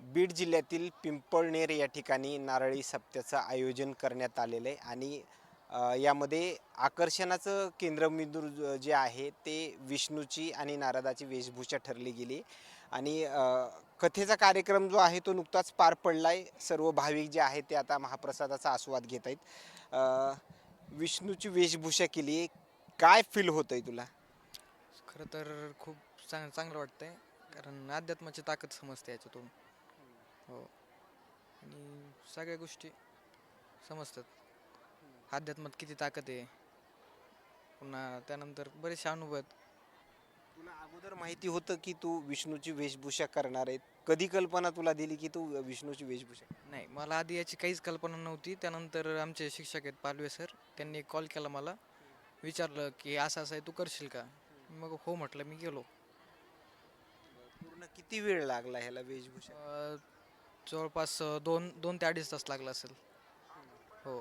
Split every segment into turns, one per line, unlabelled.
बीड जिल्ह्यातील पिंपळनेर या ठिकाणी नारळी सप्त्याचं आयोजन करण्यात आलेलं आहे आणि यामध्ये आकर्षणाचं केंद्रबिंदू जे आहे ते विष्णूची आणि नारदाची वेशभूषा ठरली गेली आणि कथेचा कार्यक्रम जो आहे तो नुकताच पार पडला आहे. सर्व भाविक जे आहेत ते आता महाप्रसादाचा आस्वाद घेत आहेत. विष्णूची वेशभूषा केली आहे, काय फील होतं आहे तुला?
खरं तर खूप चांगलं वाटतंय कारण अध्यात्माची ताकद समजते याच्यातून. हो. आणि सगळ्या गोष्टी समजतात. अध्यात्मात किती ताकद आहे. पुन्हा त्यानंतर बरेचसे अनुभव आहेत.
तुला अगोदर माहिती होतं की तू विष्णूची वेशभूषा करणार आहे? कधी कल्पना तुला दिली की तू विष्णूची वेशभूषा?
नाही, मला आधी याची काहीच कल्पना नव्हती. त्यानंतर आमचे शिक्षक आहेत पालवे सर, त्यांनी कॉल केला मला, विचारलं की असं असं आहे, तू करशील का? मग हो म्हटलं, मी गेलो.
पूर्ण किती वेळ लागला ह्याला वेशभूषा?
अ, जवळपास 2 ते 2.5 तास लागला असेल. हो.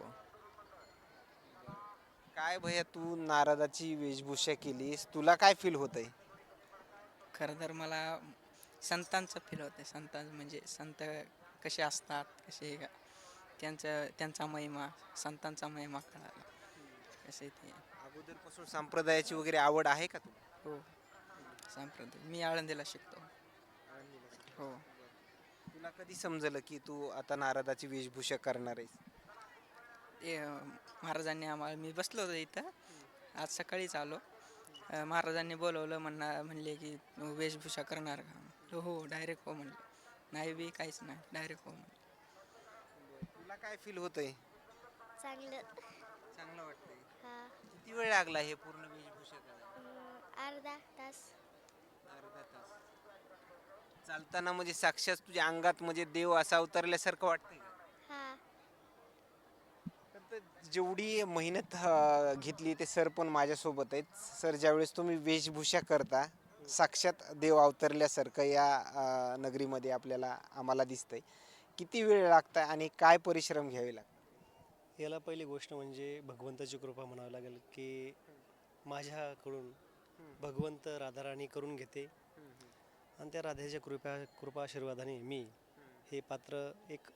काय भैया तू नारदाची वेशभूषा केलीस, तुला काय फील होतंय?
खरं तर मला संतांचं फील होतं. संतांचं म्हणजे संत कसे असतात, कसे त्यांचा महिमा, संतांचा महिमा कळाला कसे ते.
अगोदरपासून संप्रदायाची वगैरे आवड आहे का तुला?
हो. संप्रदाय मी आळंदीला शिकतो. हो.
तुला कधी समजलं की तू आता नारदाची वेशभूषा करणार आहेस?
ते महाराजांनी आम्हाला, मी बसलो होतो इथं आज सकाळीच आलो. महाराजांनी बोलवलं, म्हणले की वेशभूषा करणार का? म्हणलं हो, डायरेक्ट हो म्हणलं. नाही बी काहीच नाही, डायरेक्ट हो म्हणलं.
तुला काय फील होतंय?
चांगलं.
चांगलं वाटतंय.
हा.
किती वेळ लागला हे पूर्ण वेशभूषा करायला?
अर्धा तास.
अर्धा तास. चालताना म्हणजे साक्षात तुझ्या अंगात म्हणजे देव असा उतरल्यासारखं वाटतंय का?
हा.
तर जेवढी मेहनत घेतली ते सर पण माझ्यासोबत आहेत. सर, ज्यावेळेस तुम्ही वेशभूषा करता साक्षात देव अवतरल्यासारखं या नगरीमध्ये आम्हाला दिसतंय. किती वेळ लागतं आणि काय परिश्रम घ्यावे लागतात?
याला पहिली गोष्ट म्हणजे भगवंताची कृपा म्हणावी लागेल की माझ्याकडून भगवंत राधाराणी करून घेते आणि त्या राधेच्या कृपा आशीर्वादाने मी हे पात्र एक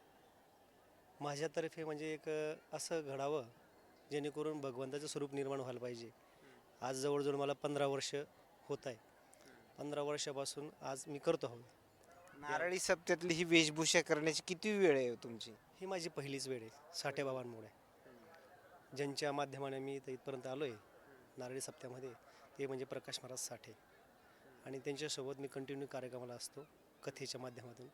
माझ्यातर्फे म्हणजे एक असं घडावं जेणेकरून भगवंताचं स्वरूप निर्माण व्हायला पाहिजे. आज जवळजवळ मला 15 वर्ष होत आहे. 15 वर्षापासून आज मी करतो आहोत.
नारळी सप्त्यातली ही वेशभूषा करण्याची किती वेळ आहे हो तुमची?
ही माझी पहिलीच वेळ आहे साठेबाबांमुळे, ज्यांच्या माध्यमाने मी इथं इथपर्यंत आलो आहे नारळी सप्त्यामध्ये, ते म्हणजे प्रकाश महाराज साठे. आणि त्यांच्यासोबत मी कंटिन्यू कार्यक्रमाला असतो कथेच्या माध्यमातून.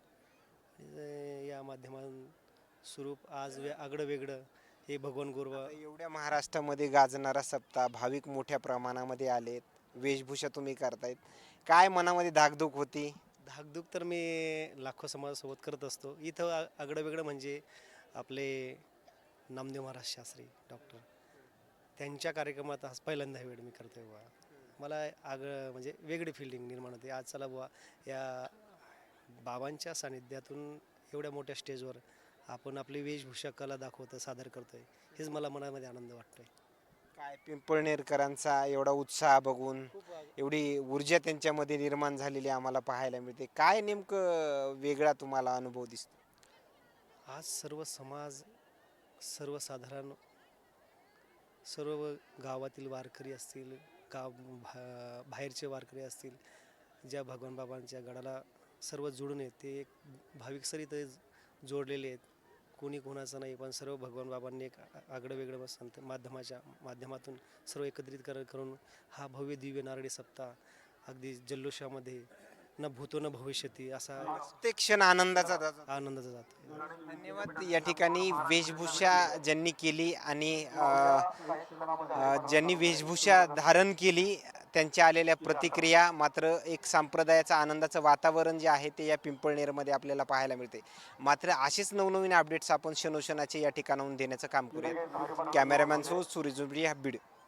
या माध्यमातून स्वरूप आज आगळं वेगळं हे भगवान गुरुवा.
एवढ्या महाराष्ट्रामध्ये गाजणारा सप्ताह, भाविक मोठ्या प्रमाणामध्ये आलेत, वेशभूषा तुम्ही करतायत, काय मनामध्ये धाकधूक होती?
धाकधूक तर मी लाखो समाजासोबत करत असतो. इथं आगळं वेगळं म्हणजे आपले नामदेव महाराज शास्त्री डॉक्टर, त्यांच्या कार्यक्रमात आज पहिल्यांदा वेळ मी करतोय बुवा. मला म्हणजे वेगळी फिलिंग निर्माण होते. आज चला बुवा या बाबांच्या सानिध्यातून एवढ्या मोठ्या स्टेजवर आपण आपली वेशभूषा कला दाखवतो, सादर करतोय, हेच मला मनामध्ये आनंद वाटतोय.
काय पिंपळनेरकरांचा एवढा उत्साह बघून एवढी ऊर्जा त्यांच्यामध्ये निर्माण झालेली आम्हाला पाहायला मिळते. काय नेमकं वेगळा तुम्हाला अनुभव दिसतो?
आज सर्व समाज, सर्वसाधारण, सर्व गावातील वारकरी असतील, बाहेरचे वारकरी असतील, ज्या भगवान बाबांच्या गडाला सर्व जोडून आहेत, ते एक भाविक सर इथं जोडलेले आहेत. कोणी कोणाचं नाही, पण सर्व भगवान बाबांनी एक आगळं वेगळं संत माध्यमातून सर्व एकत्रित करून हा भव्य दिव्य नारळी सप्ताह अगदी जल्लोषामध्ये न भूतो न भविष्यती असा
प्रत्येक क्षण आनंदाचा जातो.
आनंदाचा जातो.
धन्यवाद. या ठिकाणी वेशभूषा ज्यांनी केली आणि ज्यांनी वेशभूषा धारण केली त्यांच्या आलेल्या प्रतिक्रिया, मात्र एक संप्रदायाचं आनंदाचं वातावरण जे आहे ते या पिंपळनेरमध्ये आपल्याला पाहायला मिळते. मात्र असेच नवनवीन अपडेट्स आपण क्षणोक्षणाचे या ठिकाणाहून देण्याचं काम करूया. कॅमेरामॅन सो सूर्य जुंबडी, बीड.